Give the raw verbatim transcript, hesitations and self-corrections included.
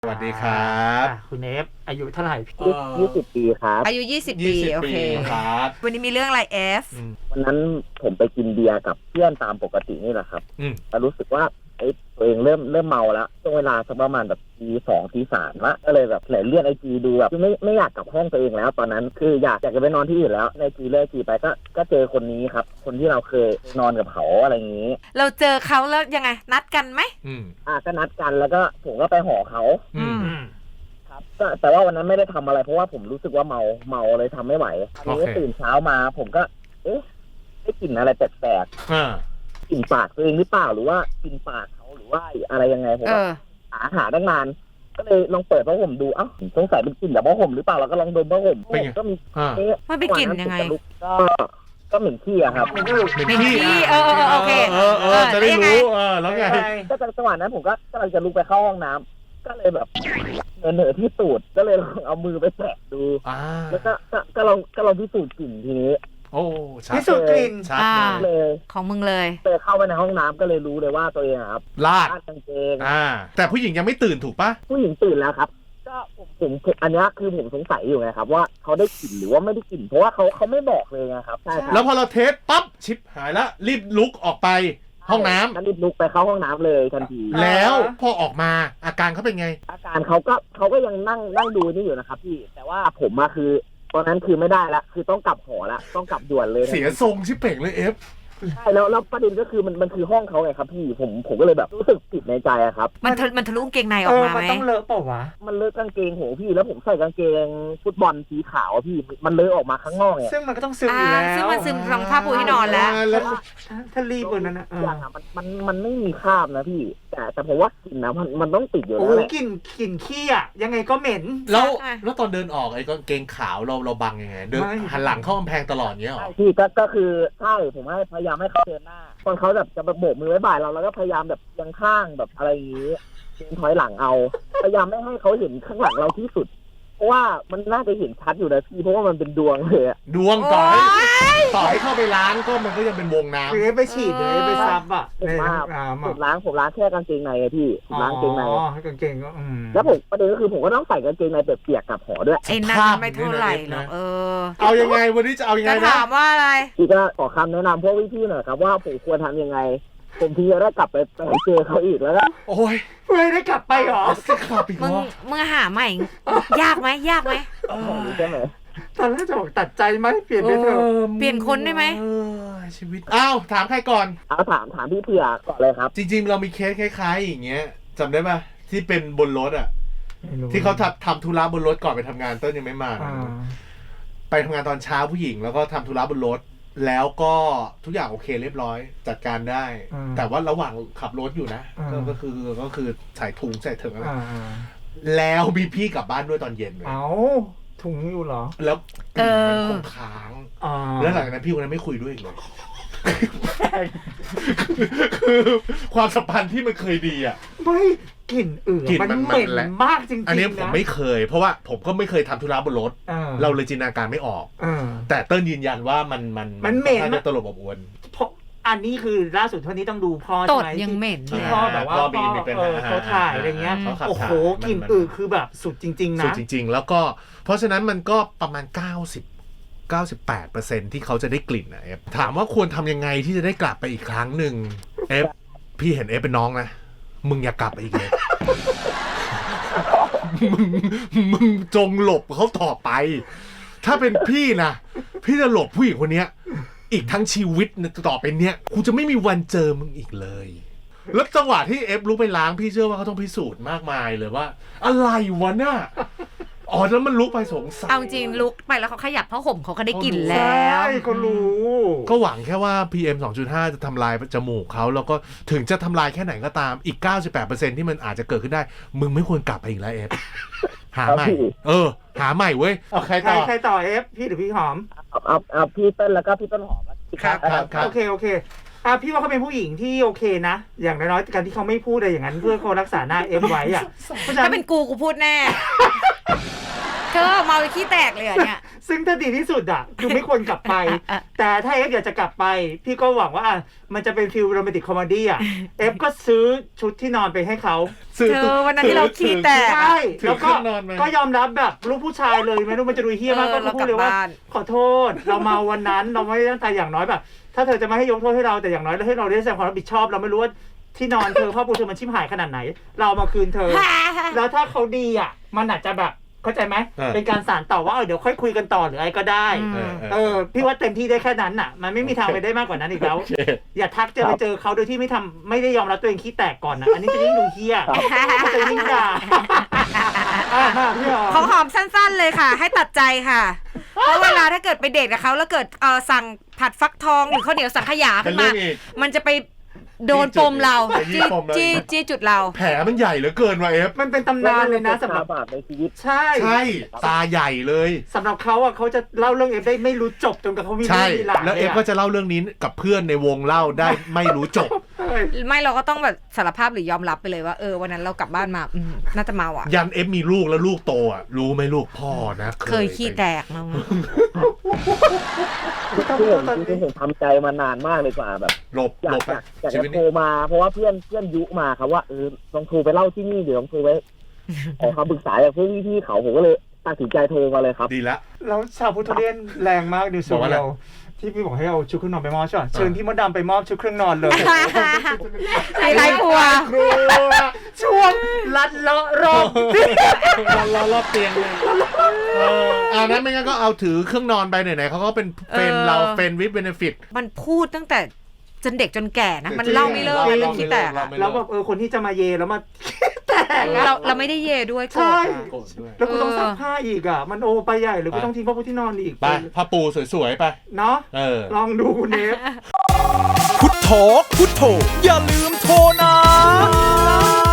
สวัสดีครับคุณเอฟอายุเท่าไหร่ยี่สิบปีครับอายุยี่สิบปีโอเคครับวันนี้มีเรื่องอะไรเอฟวันนั้นผมไปกินเบียร์กับเพื่อนตามปกตินี่แหละครับแต่รู้สึกว่าไอ้ตัวเองเริ่มเริ่มเมาแล้วช่วงเวลาสักประมาณแบบตีสองตีสามละก็เลยแบบเลื่อนไอจีดูแบบไม่ไม่อยากกลับห้องตัวเองแล้วตอนนั้นคืออยากอยากจะไปนอนที่อื่นแล้วในจีเลื่อนจีไปก็ก็เจอคนนี้ครับคนที่เราเคยนอนกับเขาอะไรอย่างนี้เราเจอเขาแล้วยังไงนัดกันไหมอืมอ่าก็นัดกันแล้วก็ผมก็ไปหอเขาอืมครับแต่ว่าวันนั้นไม่ได้ทำอะไรเพราะว่าผมรู้สึกว่าเมาเมาเลยทำไม่ไหวทีนี้ตื่นเช้ามาผมก็เอ๊ะได้กลิ่นอะไรแปลกๆกลิ่นปากตัวเองหรือเปล่าหรือว่ากลิ่นปากเขาหรือว่าอะไรยังไงผมก็หาหาตั้งนานก็เลยลองเปิดผ้าห่มดูเอ้าสงสัยเป็นกลิ่นจากผ้าห่มหรือเปล่าแล้วก็ลองดมผ้าห่มก็มีเอ๊ะมันเป็นกลิ่นยังไงก็ก็เหม็นขี้อะครับเหม็นขี้เออโอเคเออเออจะได้รู้เออแล้วไงก็จังหวะนั้นผมก็กำลังจะลุกไปเข้าห้องน้ำก็เลยแบบเหนื่อยที่ตูดก็เลยลองเอามือไปแตะดูแล้วก็ก็ลองก็ลองพิสูจน์กลิ่นทีนี้โอ้พิสูจน์กลิ่นชัดเลยของมึงเลยเจอเข้าไปในห้องน้ำก็เลยรู้เลยว่าตัวเองครับลาดกางเกงอ่าแต่ผู้หญิงยังไม่ตื่นถูกปะผู้หญิงตื่นแล้วครับก็ผมผมอันนี้คือผมสงสัยอยู่ไงครับว่าเขาได้กลิ่นหรือว่าไม่ได้กลิ่นเพราะว่าเขาเขาไม่บอกเลยนะครับใช่ครับแล้วพอเราเทสปั๊บชิปหายละรีบลุกออกไปห้องน้ำก็รีบลุกไปเข้าห้องน้ำเลยทันทีแล้วพอออกมาอาการเขาเป็นไงอาการเขาก็เขาก็ยังนั่งนั่งดูนี่อยู่นะครับพี่แต่ว่าผมอะคือตอนนั้นคือไม่ได้ละคือต้องกลับหอละต้องกลับด่วนเลยเสียทรงชิปเป่งเลยเอฟใช่แล้วแล้วประเด็นก็คือมันมันคือห้องเขาไงครับพี่ผมผมก็เลยแบบรู้สึกผิดในใจอะครับมันมันทะลุกางเกงในออกมาไหมมันต้องเลอะเปล่าวะมันเลอะกางเกงโหพี่แล้วผมใส่กางเกงฟุตบอลสีขาวพี่มันเลอะออกมาข้างนอกเนี่ยซึ่งมันก็ต้องซึมอยู่แล้วซึ่งมันซึมรองผ้าปูที่นอนแล้วถ้ารีบกว่านั้นนะอย่างอะมันมันมันไม่มีคราบนะพี่แต่แต่ผมว่ากลิ่นนะมันมันต้องติดอยู่แล้วแหละกลิ่นกลิ่นขี้อะยังไงก็เหม็นแล้วแล้วตอนเดินออกไอ้กางเกงขาวเราเราบังยังไงเดินหันหลังเข้ากำแพงตลอดเงี้ยหรอพี่ก็ก็คือใช่ผมให้พยายามให้เขาเดินหน้าตอนเขาแบบจะโบกมือไว้บ่ายเราแล้วก็พยายามแบบยังข้างแบบอะไรอย่างนี้เดินถอยหลังเอาพยายามไม่ให้เขาเห็นข้างหลังเราที่สุดเพราะว่ามันน่าจะเห็นชัดอยู่นะพี่เพราะว่ามันเป็นดวงเลยดวงต่อให้ต่อให้เข้าไปล้างก็มันก็ยังเป็นวงน้ำคือไปฉีดเลยไปซับอ่ะในห้องน้ำผมล้างผมล้างแค่กางเกงในไงพี่ผมล้างกางเกงในอ๋อกางเกงก็แล้วผมประเด็นก็คือผมก็ต้องใส่กางเกงในเปียกๆกับหอด้วยไอ้นั่นไม่เท่าไหร่หรอกเออเอายังไงวันนี้จะเอายังไงนะจะถามว่าอะไรพี่ก็ขอคำแนะนำพวกพี่ๆหน่อยครับว่าผมควรทำยังไงผมที่จะได้กลับไปเจอเขาอีกแล้วนะโอ้ยไม่ได้กลับไปหรอมึงมึงหาใหม่ยากไหมยากไหมใช่ไหมตอนแรกจะบอกตัดใจไหมเปลี่ยนไปเถอะเปลี่ยนคนได้ไหมชีวิตอ้าวถามใครก่อนเอาถามถามพี่เผือกก่อนเลยครับจริงๆเรามีเคสคล้ายๆอย่างเงี้ยจำได้ป่ะที่เป็นบนรถอ่ะที่เขาทำทำธุระบนรถก่อนไปทำงานเต้นยังไม่มาไปทำงานตอนเช้าผู้หญิงแล้วก็ทำธุระบนรถแล้วก็ทุกอย่างโอเคเรียบร้อยจัดการได้แต่ว่าระหว่างขับรถอยู่นะก็คือก็คือใส่ถุงใส่ถุงอะไรแล้วมีพี่กลับบ้านด้วยตอนเย็นเลยเอาถุงอยู่เหรอแล้วกลิ่นมันคงค้างแล้วหลังจากนั้นพี่คนนั้นไม่คุยด้วยอีกเลยคือความสัมพันธ์ที่มันเคยดีอ่ะไม่กลิ่นอื่นมันเหม็นมากจริงๆอันนี้ผมไม่เคยเพราะว่าผมก็ไม่เคยทำธุระบนรถเราเลยจินตนาการไม่ออกแต่เติ้ลยืนยันว่ามันมันมันเหม็นตลบอบอวนเพราะอันนี้คือล่าสุดเท่านี้ต้องดูพ่อใช่ไหมยังเหม็นที่พ่อแบบว่าพ่อเขาถ่ายอะไรเงี้ยโอ้โหกลิ่นอื่นคือแบบสุดจริงๆนะสุดจริงๆแล้วก็เพราะฉะนั้นมันก็ประมาณเก้าสิบ เก้าสิบแปดเปอร์เซ็นต์ ที่เขาจะได้กลิ่นนะเอฟถามว่าควรทำยังไงที่จะได้กลับไปอีกครั้งหนึ่งเอฟพี่เห็นเอฟเป็นน้องนะมึงอย่ากลับไปอีกเลยมึงมึงจงหลบเขาต่อไปถ้าเป็นพี่นะพี่จะหลบผู้หญิงคนนี้อีกทั้งชีวิตต่อไปเนี้ยกูจะไม่มีวันเจอมึงอีกเลยแล้วจังหวะที่เอฟลุกไปล้างพี่เชื่อว่าเขาต้องพิสูจน์มากมายเลยว่าอะไรวะน่ะอ๋อแล้วมันลุกไปสงสัยเอาจริงลุกไปแล้วเขาขยับผ้าห่มเขาก็ได้กลิ่นแล้วใช่เขารู้ก็หวังแค่ว่า พี เอ็ม สองจุดห้า จะทำลายจมูกเขาแล้วก็ถึงจะทำลายแค่ไหนก็ตามอีก เก้าสิบแปดเปอร์เซ็นต์ ที่มันอาจจะเกิดขึ้นได้มึงไม่ควรกลับไปอีกแล้วเอฟหาใหม่เออหาใหม่เว้ยเอาใครต่อใครต่อเอฟพี่หรือพี่หอมเอาเอาพี่เต้นแล้วก็พี่ต้นหอมครับครับโอเคโอเคอ่ะพี่ว่าเขาเป็นผู้หญิงที่โอเคนะอย่างน้อยๆการที่เขาไม่พูดอะไรอย่างนั้นเพื่อเขารักษาหน้าเอฟไว้อ่ะถ้าเป็นกูกูพูดแน่เธอเมาขี้แตกเลยอ่ะเนี่ยซึ่งถ้าดีที่สุดอ่ะคือไม่ควรกลับไป แต่ถ้าเอฟอยากจะกลับไป พี่ก็หวังว่าอ่ะมันจะเป็นฟิลโรแมนติกคอมเมดี้อ่ะเอฟก็ซื้อชุดที่นอนไปให้เขาเธอวันนั้นที่เราขี้แตกใช่ถือแล้วเคก็รื่องนอนมาก็ยอมรับแบบลูกผู้ชายเลยไม่รู้มันจะดูเฮี้ยมากเอก็อเราพูกดลับเลยว่าบ้านขอโทษเราเมาวันนั้นเราไม่ได้ตั้งใจอย่างน้อยแบบ ถ้าเธอจะไม่ให้ยกโทษให้เราแต่อย่างน้อยให้เราได้แสดงความรับผิดชอบเราไม่รู้ว่าที่นอนเธอผ้าปูเธอมันชิบหายขนาดไหน เราเอามาคืนเธอ แล้วถ้าเขาดีอ่ะมันอาจจะแบบเข้าใจไหมเออเป็นการสานต่อว่าเออเดี๋ยวค่อยคุยกันต่อหรืออะไรก็ได้อืมเออเออพี่ว่าเต็มที่ได้แค่นั้นน่ะ มันไม่มีทางไปได้มากกว่านั้นอีกแล้วโอเคอย่าทักเจอไปเจอเขาโดยที่ไม่ทำไม่ได้ยอมรับตัวเองขี้แตกก่อนนะอันนี้จะยิ่งดูเฮี้ยก็จะยิ่งด่าอ่ะมาพี่หอของมหอมสั้นๆเลยค่ะ ให้ตัดใจค่ะ เพราะเวลาถ้าเกิดไปเดทกับเขาแล้วเกิดเออสั่งผัดฟักทองหรือข้าวเหนียวสังขยาเป็ขึ้นนเรื่มาองอีกมันจะไปโดนปมเราไปจี้จี้ปมเราจี้อีกจี้จุดเราแผลมันใหญ่เหลือเกินว่ะเอฟมันเป็นตำนานเลยนะสำหรับบาปในชีวิตใช่ใช่ตาใหญ่เลยสำหรับเขาอ่ะเขาจะเล่าเรื่องเอฟได้ไม่รู้จบจนกับเขามีใช่ลูกมีหลานแล้วเอฟก็จะเล่าเรื่องนี้กับเพื่อนในวงเล่าได้ไม่รู้จบเฮ้ยไม่เราก็ต้องแบบสารภาพหรือยอมรับไปเลยว่าเออวันนั้นเรากลับบ้านมาอืมน่าจะเมาอ่ะยันเอฟมีลูกแล้วลูกโตอ่ะรู้ไหมลูกพ่อนะเคยขี้แตกมั้งที่ผมที่ผมทำใจมานานมากเลยกว่าแบบหลบอยาหลกบอยากอยากชีจะวิตโทรนี้มาเพราะว่าเพื่อนเพื่อนยุมาครับว่าเออลองโทรไปเล่าที่นี่เดี๋ยวลองโทรไปขอคำปรึกษาจากเพื่อนพี่ๆเขาผมก็เลยตัดสินใจโทรมาเลยครับดีละแล้วชาวพุทธเลียนแรงมากดิวสูบอกว่าอะไรเดียวที่พี่บอกให้เอาชุดเครื่องนอนไปมอบใช่ป่ะเชิญพี่มดดำไปมอบชุดเครื่องนอนเลยไฮไลท์ครัวครัวช่วงลัดเลาะรอบรอรอรอบเตียงเลยเออเอานั้นไม่งั้นก็เอาถือเครื่องนอนไปไหนๆเขาก็เป็นเฟรนเออเราเฟรนวิดเบนฟิตมันพูดตั้งแต่จนเด็กจนแก่นะ มันจริงเล่าไม่เลิกเล่าเรื่องขี้แตกเล่าอะไม่แล้วแบบเออคนที่จะมาเยแล้วมา แตกอะเราเราไม่ได้เย่ด้วยโกรธใช่อะโกรธด้วยแล้วกูต้องซักผ้าอีกอ่ะ มันโอไปใหญ่หรือกูต้องทิ้งผ้าปูที่นอนอีกไปผ้าปูสวยๆไปเนาะเออลองดูคุณเนฟพุทโธพุทโธอย่าลืมโทรนะ